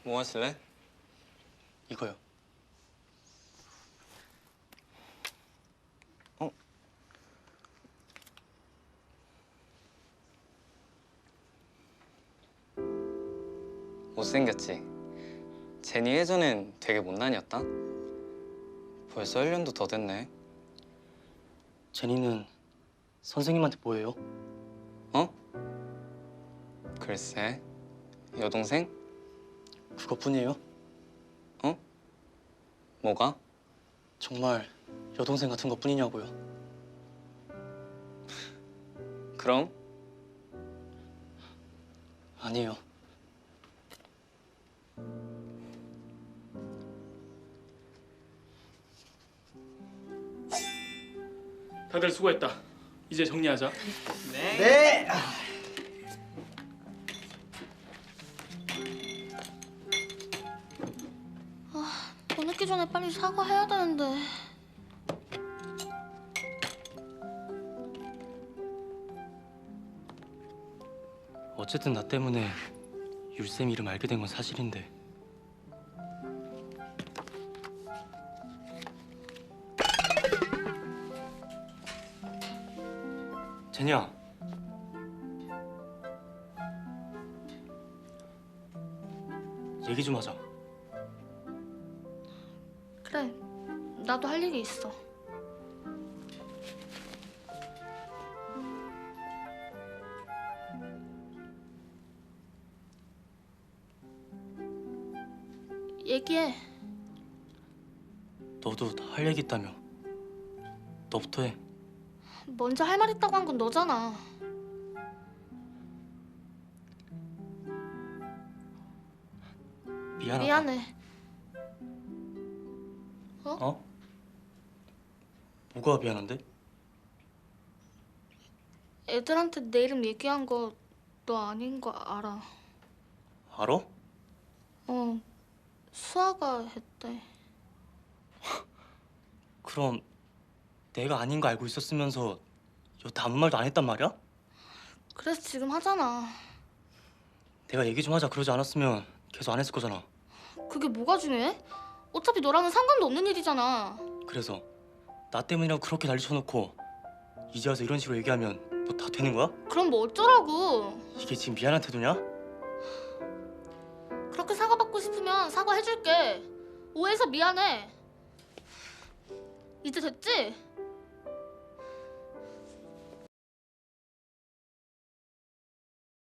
뭐 하실래? 이거요. 못생겼지? 제니 예전엔 되게 못난이었다? 벌써 1년도 더 됐네. 제니는 선생님한테 뭐예요? 어? 글쎄, 여동생? 그것뿐이에요? 어? 뭐가? 정말 여동생 같은 것뿐이냐고요. 그럼? 아니에요. 다들 수고했다. 이제 정리하자. 네. 더 늦기 전에 빨리 사과해야 되는데. 어쨌든 나 때문에 율쌤 이름 알게 된 건 사실인데. 제니야. 얘기 좀 하자. 그래, 나도 할 얘기 있어. 얘기해. 너도 할 얘기 있다며. 너부터 해. 먼저 할 말 있다고 한 건 너잖아. 미안하다. 미안해. 어? 뭐가 미안한데? 애들한테 내 이름 얘기한 거 너 아닌 거 알아. 알아? 수아가 했대. 그럼 내가 아닌 거 알고 있었으면서 여태 아무 말도 안 했단 말이야? 그래서 지금 하잖아. 내가 얘기 좀 하자 그러지 않았으면 계속 안 했을 거잖아. 그게 뭐가 중요해? 어차피 너랑은 상관도 없는 일이잖아. 그래서 나 때문이라고 그렇게 난리 쳐놓고 이제 와서 이런 식으로 얘기하면 뭐 다 되는 거야? 그럼 뭐 어쩌라고. 이게 지금 미안한 태도냐? 그렇게 사과받고 싶으면 사과해줄게. 오해해서 미안해. 이제 됐지?